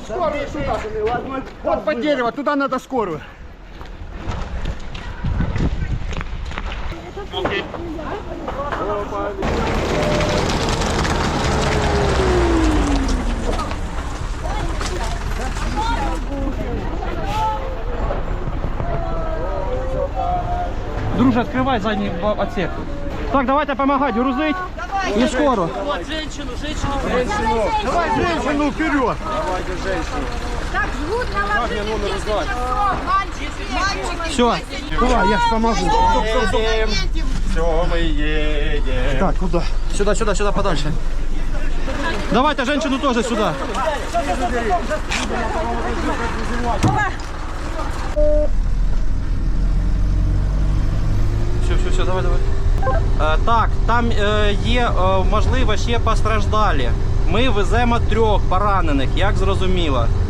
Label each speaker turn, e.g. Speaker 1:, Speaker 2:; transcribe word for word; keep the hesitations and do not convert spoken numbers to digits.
Speaker 1: скорую сюда. Вот под дерево, туда надо скорую.
Speaker 2: Друже, открывай задний отсек. Так, давайте помогать, грузить. Не скоро.
Speaker 3: Вот женщину, женщину.
Speaker 1: Женщину. Давай женщину вперед.
Speaker 4: Давайте женщину.
Speaker 5: Так, жгут наложили десять часов, мальчики, мальчики.
Speaker 2: Все.
Speaker 1: Давай, я ж помогу.
Speaker 4: Едем. Все, мы едем.
Speaker 1: Так, куда?
Speaker 2: Сюда, сюда, сюда, подальше. Давайте женщину тоже сюда. Все, все, все, давай, давай. Е, так, там е, є, е, можливо, ще постраждалі. Ми веземо трьох поранених, як зрозуміло.